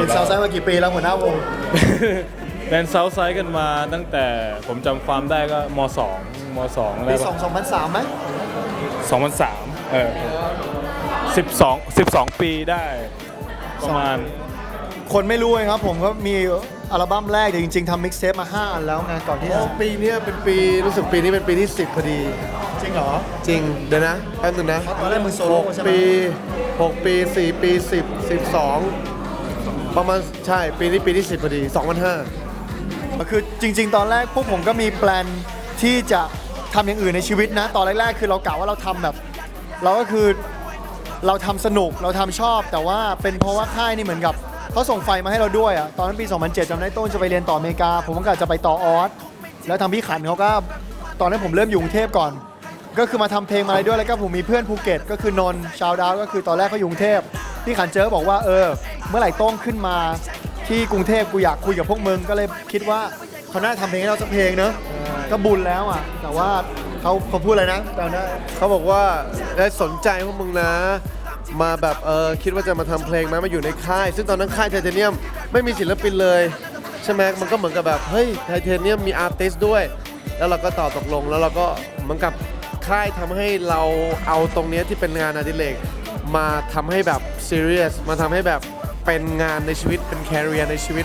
ซาวไซด์มากี่ปีแล้วหัวหน้าวงเป็นเซาท์ไซด์กันมาตั้งแต่ผมจำความได้ก็ม2อะไรปีปะ 2003ไหม 200312 ปีได้ประมาณคนไม่รู้เลยครับผมก็มีอัลบั้มแรกแต่จริงๆทำมิกซ์เทปมา5 อันแล้วไงก่อนที่จะปีนี้เป็นปีรู้สึกปีนี้เป็นปีที่ 10พอดีจริงเหรอจริงเดี๋ยวนะแป๊บนึงนะตอนแรกมึงโซโล่ใช่ไหม 6 ปี 4 ปี 10 12ประมาณใช่ปีนี้ปีที่ 10พอดี2005 คือจริงๆ ตอนแรกพวกผมก็มีแปลนที่จะทำอย่างอื่นในชีวิตนะ ตอนแรกๆ คือเรากะว่าเราทำแบบ เราก็คือเราทำสนุกเราทำชอบ แต่ว่าเป็นเพราะว่าค่ายนี่เหมือนกับเขาส่งไฟมาให้เราด้วยอ่ะตอนนั้นปี 2007จำได้ต้นจะไปเรียนต่ออเมริกา ผมก็กะจะไปต่อออสแล้วทางพี่ขันเขาก็ตอนนั้นผมเริ่มอยู่กรุงเทพก่อน ก็คือมาทำเพลงมาอะไรด้วยแล้วก็ผมมีเพื่อนภูเก็ตก็คือนนท์ชาวดาวก็คือตอนแรกเขาอยู่กรุงเทพพี่ขันเจอบอกว่าเมื่อไหร่โต้งขึ้นมาที่กรุงเทพกูอยากคุยกับพวกมึงก็เลยคิดว่าเขาน่าทำเพลงให้เราสักเพลงเนอะก็บุญแล้วอ่ะแต่ว่าเขาพูดอะไรนะตอนนั้นเขาบอกว่าได้สนใจพวกมึงนะ มาแบบคิดว่าจะมาทำเพลงไหมมาอยู่ในค่าย ซึ่งตอนนั้นค่ายไทเทเนียมไม่มีศิลปินเลยใช่ไหมมันก็เหมือนกับแบบเฮ้ยไทเทเนียมมีอาร์ติสต์ด้วย แล้วเราก็ตอบตกลงแล้วเราก็เหมือนกับค่ายทำให้เราเอาตรงเนี้ยที่เป็นงานอดิเรกมาทำให้แบบซีเรียสมาทำให้แบบเป็นงานในชีวิตเป็นแคริเอร์ในชีวิต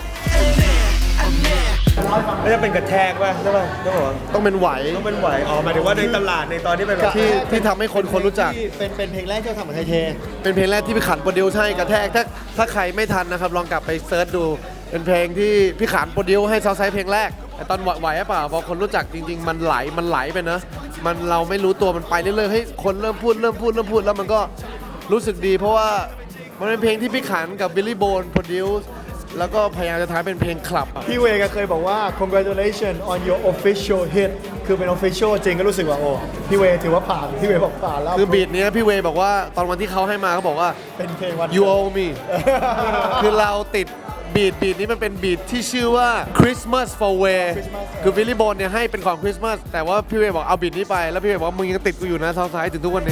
ไม่จะเป็นกระแทกป่ะใช่ป่ะใช่ป่ะต้องเป็นไหวต้องเป็นไหวอ๋อหมายถึงว่าในตลาดในตอนที่เป็นแบบที่ทำให้คนรู้จักเป็นเพลงแรกที่เราทำกับไทยเทเป็นเพลงแรกที่พี่ขันโปรดิวซ์ให้กระแทกถ้าใครไม่ทันนะครับลองกลับไปเซิร์ชดู เป็นเพลงที่พี่ขันโปรดิวซ์ให้ซาวด์ไซด์เพลงแรกแต่ตอนไหวหรือเปล่าพอคนรู้จักจริงๆมันไหลไปเนอะมันเราไม่รู้ตัวมันไปเรื่อยๆให้คนเริ่มพูดแล้วมันก็รู้สึกดี เพราะว่ามันเป็นเพลงที่พี่ขันกับบิลลี่โบนโปรดิวซ์แล้วก็พยายามจะทำให้เป็นเพลงคลับอะพี่เวก็เคยบอกว่า congratulations on your official hit คือเป็น official จริงก็รู้สึกว่าโอ้พี่เวถือว่าผ่านพี่เวบอกผ่านแล้วคือบีทเนี้ยพี่เวย์บอกว่าตอนวันที่เขาให้มาเขาบอกว่าเป็นเพลงวัน you owe me คือเราติดบีทนี้มันเป็นบีทที่ชื่อว่า Christmas for Way คือวิลลี่โบนเนี่ยให้เป็นของคริสต์มาสแต่ว่าพี่เวย์บอกเอาบีทนี้ไปแล้วพี่เวย์บอกว่ามึงยังติดกูอยู่นะซาวด์ไซด์ถึงทุกวันนี้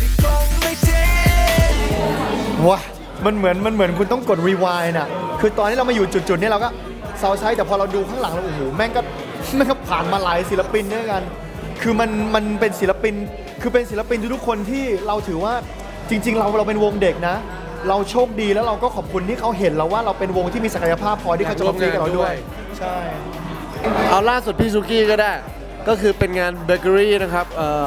ว้ามันเหมือนคุณต้องกด rewind น่ะคือตอนที่เรามาอยู่จุดๆนี้เราก็เซาไซด์แต่พอเราดูข้างหลังเราโอ้โหแม่งก็ผ่านมาหลายศิลปินด้วยกัน คือมันเป็นศิลปินคือเป็นศิลปินทุกๆคนที่เราถือว่าจริงๆเราเป็นวงเด็กนะ เราโชคดีแล้วเราก็ขอบคุณที่เขาเห็นเราว่าเราเป็นวงที่มีศักยภาพพอที่เขาจะมาคุยกับเราด้วยใช่เอาล่าสุดพี่ซูกี้ก็ได้ ก็คือเป็นงานเบเกอรี่นะครับ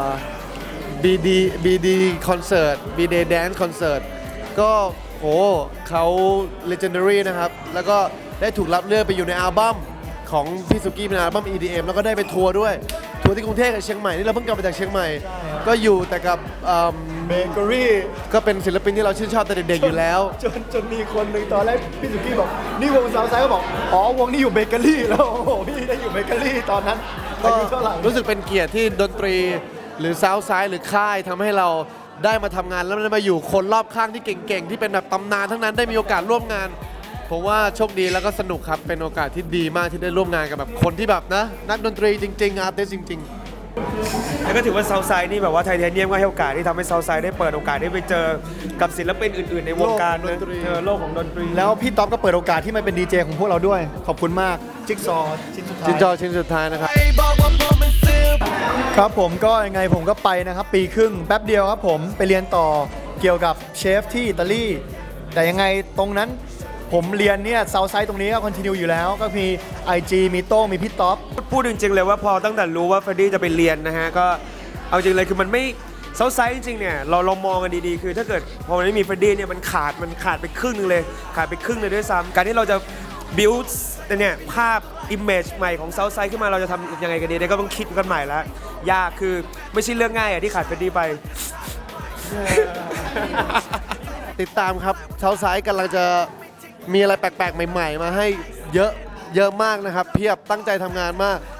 BD Concert BD Dance Concert ก็โหเขา Legendary นะครับ แล้วก็ได้ถูกรับเลือกไปอยู่ในอัลบั้มของพี่ซูกี้เป็นอัลบั้ม EDM แล้วก็ได้ไปทัวร์ด้วย ทัวร์ที่กรุงเทพกับเชียงใหม่ นี่เราเพิ่งกลับมาจากเชียงใหม่ ก็อยู่แต่กับเบเกอรี่ก็เป็นศิลปินที่เราชื่นชอบแต่เด็กๆอยู่แล้วจนมีคนหนึ่งตอนแรกพี่สุกี้บอกนี่วงซาวด์ไซด์ก็บอกอ๋อวงนี้อยู่เบเกอรี่แล้วโอ้โหพี่ได้อยู่เบเกอรี่ตอนนั้นก็อายุเท่าไหร่รู้สึกเป็นเกียรติที่ดนตรีหรือซาวด์ไซด์หรือค่ายทำให้เราได้มาทำงานแล้วได้มาอยู่คนรอบข้างที่เก่งๆ ที่เป็นแบบตำนานทั้งนั้นได้มีโอกาสร่วมงาน ผมว่าโชคดีแล้วก็สนุกครับ เป็นโอกาสที่ดีมากที่ได้ร่วมงานกับแบบคนที่แบบนะนักดนตรีจริงๆอาร์ติสจริงๆแล้วก็ถือว่าซาวด์ไซด์นี่แบบว่าไทเทเนียมก็ให้โอกาสที่ทำให้ซาวด์ไซด์ได้เปิดโอกาสได้ไปเจอกับศิลปินอื่นๆในวงการโลกดนตรีโลกของดนตรีแล้วพี่ต๊อบก็เปิดโอกาสที่มาเป็นดีเจของพวกเราด้วย ขอบคุณมากจิ๊กซอว์ชิ้นสุดท้ายชิ้นจอชิ้นสุดท้ายนะครับครับผมก็ยังไงผมก็ไปนะครับปีครึ่งแป๊บเดียวครับผมไปเรียนต่อเกี่ยวกับเชฟที่อิตาลีแต่ยังไงตรงนั้นผมเรียนเนี่ยซาวด์ไซด์ตรงนี้ก็คอนติเนียอยู่แล้วก็มี IG มีโต้งมีพี่ต๊อบพูดจริงๆเลยว่าพอตั้งแต่รู้ว่าเฟรดดี้จะไปเรียนนะฮะก็เอาจริงเลยคือมันไม่ซาวด์ไซด์จริงๆเนี่ยเรามองกันดีๆคือถ้าเกิดพอมันไม่มีเฟรดดี้เนี่ยมันขาดไปครึ่งนึงเลยขาดไปครึ่งเลยด้วยซ้ำการที่เราจะ build เนี่ยภาพ image ใหม่ของซาวด์ไซด์ขึ้นมาเราจะทำยังไงกันดีเนี่ยก็ต้องคิดกันใหม่แล้วยากคือไม่ใช่เรื่องง่ายอ่ะที่ขาดเฟรดดี้ไปติดตามครับเช้าซ้ายกำลังจะมีอะไรแปลกๆ ใหม่ๆ มาให้เยอะมากนะครับ เพียบตั้งใจทำงานมาก